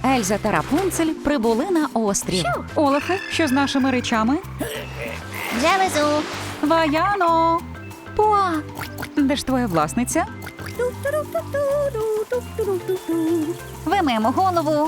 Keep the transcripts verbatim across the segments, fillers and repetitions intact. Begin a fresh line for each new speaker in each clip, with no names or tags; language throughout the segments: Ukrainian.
Ельза та Рапунцель прибули на острів. Олафе, що з нашими речами?
Вже везу.
Ваяно! Пуа! Де ж твоя власниця? Вимиємо голову.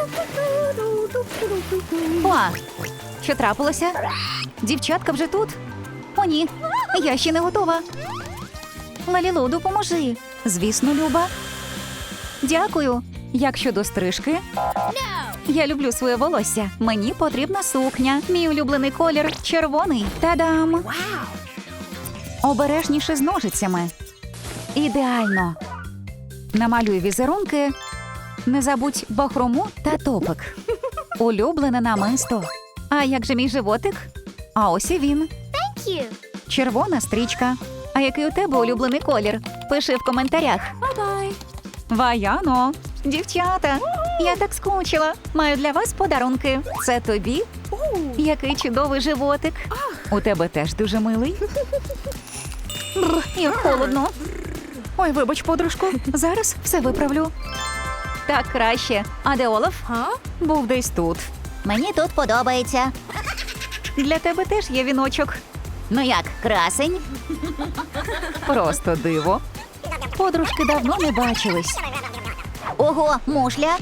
Пуа! Що трапилося? Дівчатка вже тут? О, ні, я ще не готова. Лалілу, допоможи. Звісно, Люба. Дякую. Як щодо стрижки? Я люблю своє волосся. Мені потрібна сукня. Мій улюблений колір – червоний. Та-дам! Обережніше з ножицями. Ідеально. Намалюй візерунки. Не забудь бахрому та топик. Улюблене намисто. А як же мій животик? А ось і він. Червона стрічка. А який у тебе улюблений колір? Пиши в коментарях.
Бай-бай.
Ваяно! Дівчата! Я так скучила. Маю для вас подарунки. Це тобі? Який чудовий животик. У тебе теж дуже милий. Бррр, як холодно. Ой, вибач, подружку. Зараз все виправлю. Так краще. А де Олаф? Був десь тут.
Мені тут подобається.
Для тебе теж є віночок.
Ну як, красень?
Просто диво. Подружки давно не бачились.
Ого, мушля.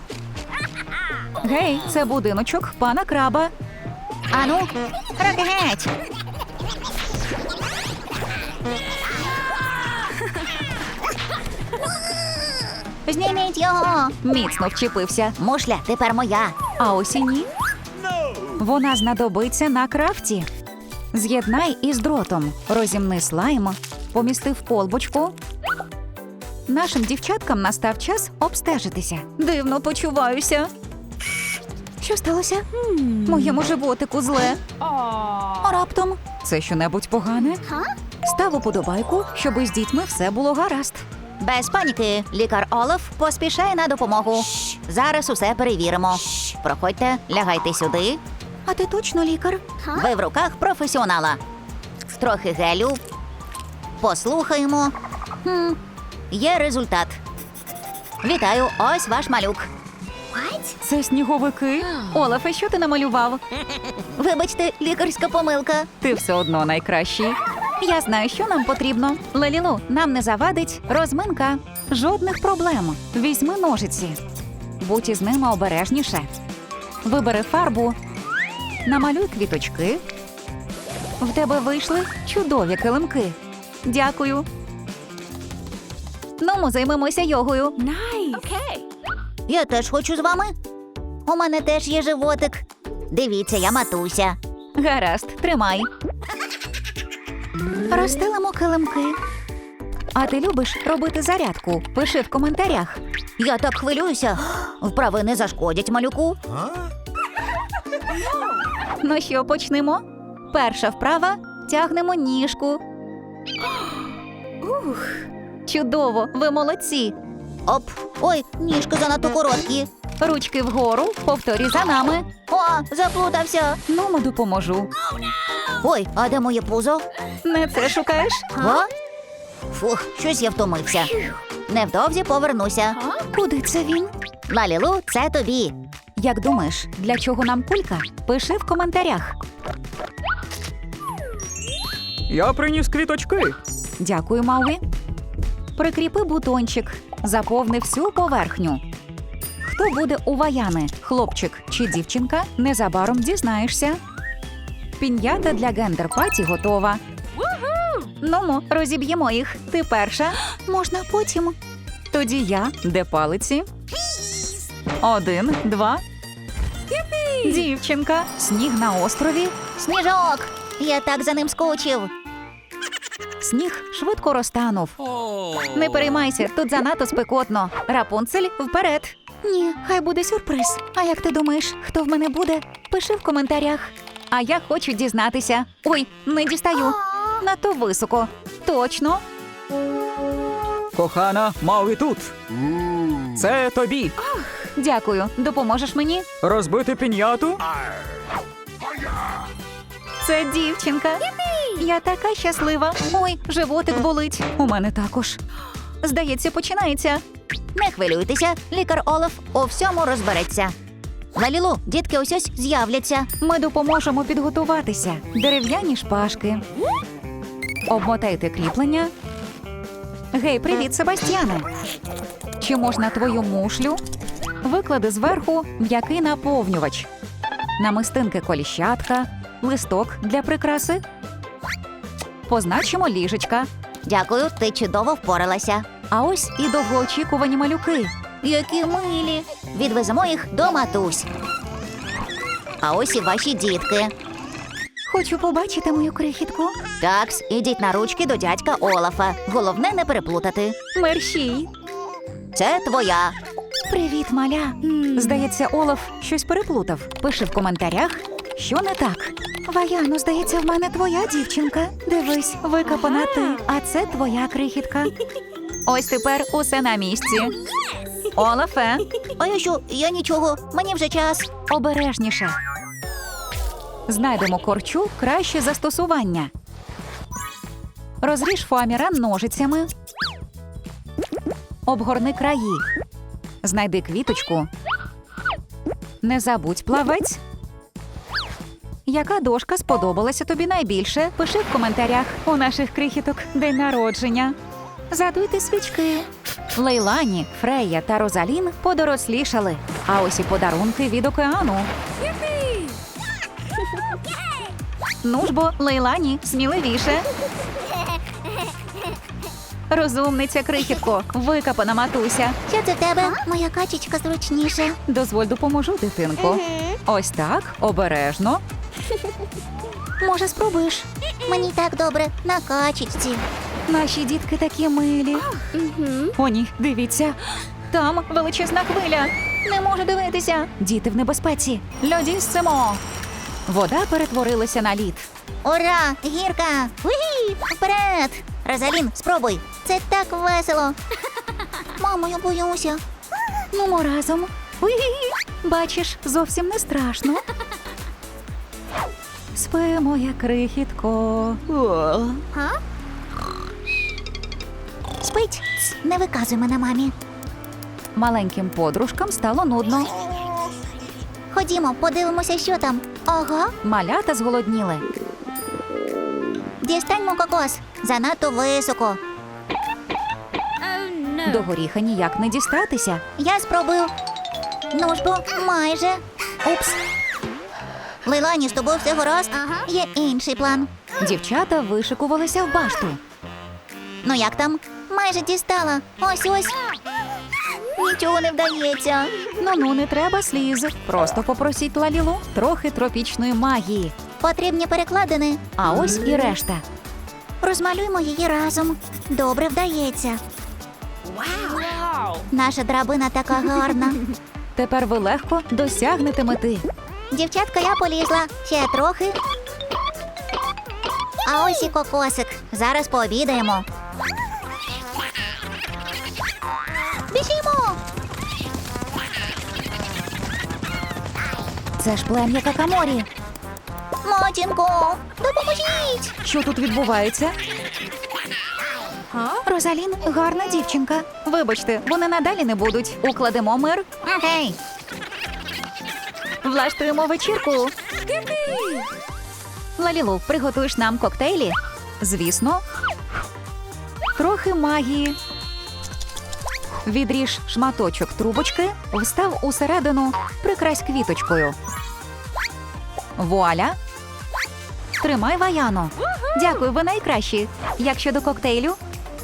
Гей, це будиночок пана краба.
Ану, руки геть. Зніміть його.
Міцно вчепився.
Мушля тепер моя.
А ось і ні. Вона знадобиться на крафті. З'єднай із дротом. Розімни слайм. Помісти в колбочку. Нашим дівчаткам настав час обстежитися. Дивно почуваюся. Що сталося? Моєму животику зле. А раптом? Це щонебудь погане? Став уподобайку, щоб із дітьми все було гаразд.
Без паніки. Лікар Олаф поспішає на допомогу. Зараз усе перевіримо. Проходьте, лягайте сюди.
А ти точно лікар?
Ви в руках професіонала. Трохи гелю. Послухаємо. Хм, є результат. Вітаю, ось ваш малюк.
Це сніговики? Олафе, що ти намалював?
Вибачте, лікарська помилка.
Ти все одно найкращий. Я знаю, що нам потрібно. Лалілу, нам не завадить розминка. Жодних проблем. Візьми ножиці. Будь із ними обережніше. Вибери фарбу. Намалюй квіточки. В тебе вийшли чудові килимки. Дякую. Ну, ми займемося йогою.
Я теж хочу з вами. У мене теж є животик. Дивіться, я матуся.
Гаразд, тримай. Розстелимо килимки. А ти любиш робити зарядку? Пиши в коментарях.
Я так хвилююся. Вправи не зашкодять малюку.
Ну що, почнемо? Перша вправа – тягнемо ніжку. Ух, чудово, ви молодці.
Оп, ой, ніжки занадто короткі.
Ручки вгору, повторюй за нами.
О, заплутався.
Ну, ми допоможу.
Ой, а де моє пузо?
Не це шукаєш?
А? Фух, щось я втомився. Невдовзі повернуся.
Куди це він?
Лалілу, це тобі.
Як думаєш, для чого нам кулька? Пиши в коментарях.
Я приніс квіточки.
Дякую, Мауі. Прикріпи бутончик. Заповни всю поверхню. Хто буде у Ваяни, хлопчик чи дівчинка, незабаром дізнаєшся. Пін'ята для гендер-паті готова. Ну-мо, розіб'ємо їх. Ти перша. Можна потім. Тоді я. Де палиці? Один, два. Дівчинка. Сніг на острові.
Сніжок. Я так за ним скучив.
Сніг швидко розтанув. Не переймайся, тут занадто спекотно. Рапунцель, вперед. Ні, хай буде сюрприз. А як ти думаєш, хто в мене буде? Пиши в коментарях. А я хочу дізнатися. Ой, не дістаю. Надто високо. Точно.
Кохана, Мауі тут. Це тобі.
Дякую. Допоможеш мені?
Розбити піньяту?
Це дівчинка. Я така щаслива. Ой, животик болить. У мене також. Здається, починається.
Не хвилюйтеся, лікар Олаф у всьому розбереться. Лалілу, дітки ось ось з'являться.
Ми допоможемо підготуватися. Дерев'яні шпажки. Обмотайте кріплення. Гей, привіт, Себастьяне. Чи можна твою мушлю? Виклади зверху м'який наповнювач. Намистинки коліщатка, листок для прикраси. Позначимо ліжечка.
Дякую, ти чудово впоралася.
А ось і довгоочікувані малюки.
Які милі. Відвеземо їх до матусь. А ось і ваші дітки.
Хочу побачити мою крихітку.
Такс, ідіть на ручки до дядька Олафа. Головне не переплутати.
Мерщій.
Це твоя.
Привіт, маля. Здається, Олаф щось переплутав. Пиши в коментарях, що не так. Ваяно, здається, в мене твоя дівчинка. Дивись, викопана ти, а це твоя крихітка. Ось тепер усе на місці. Олафе,
А я що? Я нічого. Мені вже час.
обережніше. Знайдемо корчу краще застосування. Розріж фоаміра ножицями. Обгорни краї. Знайди квіточку. Не забудь плавець. Яка дошка сподобалася тобі найбільше? Пиши в коментарях. У наших крихіток день народження. Задуйте свічки. Лейлані, Фрея та Розалін подорослішали. А ось і подарунки від океану. Ну ж бо, Лейлані, сміливіше. Розумниця, крихітко, викопана матуся.
Що це в тебе? Моя качечка зручніше.
Дозволь допоможу, дитинко. Ось так, обережно. Може, спробуєш?
Мені так добре на качечці.
Наші дітки такі милі. О, ні, дивіться. Там величезна хвиля. Не можу дивитися. Діти в небезпеці. Льодіссимо. Вода перетворилася на лід.
Ура! Гірка! Угі! Вперед! Розалін, спробуй! Це так весело! Мамо, я боюся.
Нумо разом. Уї! Бачиш, зовсім не страшно. Спи, моя крихітко.
Га? Спить! Ц, не виказуй мене мамі.
Маленьким подружкам стало нудно.
Ходімо, подивимося, що там. Ага,
Малята зголодніли.
дістаньмо кокос. Занадто високо.
До горіха ніяк не дістатися.
Я спробую. Ну ж бо, майже. Упс. Лейлані, з тобою все гаразд? Є інший план.
Дівчата вишикувалися в башту.
Ну як там? Майже дістала. Ось ось. Нічого не вдається.
Ну-ну, не треба сліз. Просто попросіть Лалілу трохи тропічної магії.
Потрібні перекладини.
А ось і решта.
Розмалюємо її разом. Добре вдається. Наша драбина така гарна.
Тепер ви легко досягнете мети.
Дівчатка, я полізла. Ще трохи. А ось і кокосик. Зараз пообідаємо. Біжімо!
Це ж плем'я Какаморі.
Матінко, допоможіть!
Що тут відбувається? Розалін гарна дівчинка. Вибачте, вони надалі не будуть. Укладемо мир.
Окей.
Влаштуємо вечірку. Лалілу, приготуєш нам коктейлі? Звісно. Трохи магії. Відріж шматочок трубочки, встав усередину, прикрась квіточкою. Вуаля! Тримай, Ваяно. Дякую, ви найкращі. Як щодо коктейлю?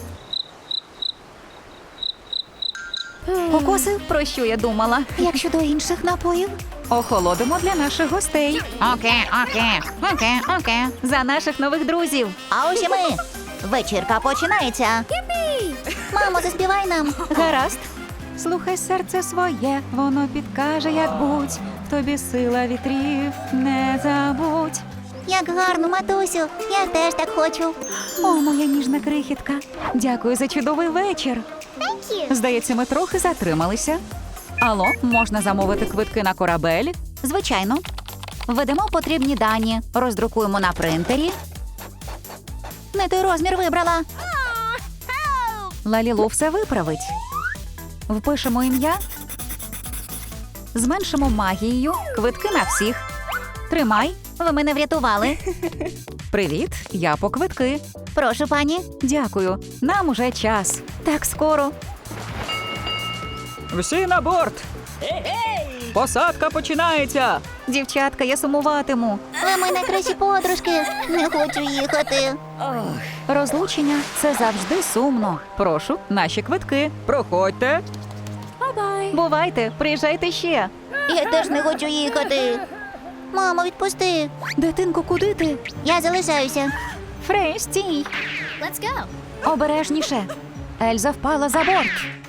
Кокоси, про що я думала?
Як щодо інших напоїв?
Охолодимо для наших гостей.
Окей, окей, окей, окей.
За наших нових друзів.
А ось і ми. Вечірка починається. Мамо, заспівай нам.
Гаразд. Слухай серце своє, воно підкаже, як будь. В тобі сила вітрів, не забудь.
Як гарно, матусю. Я теж так хочу.
О, моя ніжна крихітка. Дякую за чудовий вечір. Здається, ми трохи затрималися. Алло, можна замовити квитки на корабель? Звичайно. Введемо потрібні дані, роздрукуємо на принтері.
Не той розмір вибрала.
Лалілу все виправить. Впишемо ім'я. Зменшимо магією. Квитки на всіх. Тримай.
Ви мене врятували.
Привіт, я по квитки.
Прошу, пані.
Дякую. Нам уже час. Так скоро.
Всі на борт! Посадка починається!
Дівчатка, я сумуватиму.
Ви мої найкращі подружки. Не хочу їхати.
Розлучення – це завжди сумно. Прошу, наші квитки.
Проходьте!
Бувайте, приїжджайте ще.
Я теж не хочу їхати. Мамо, відпусти.
Дитинко, куди ти?
Я залишаюся.
Фрей, стій.
Let's go.
Обережніше. Ельза впала за борт.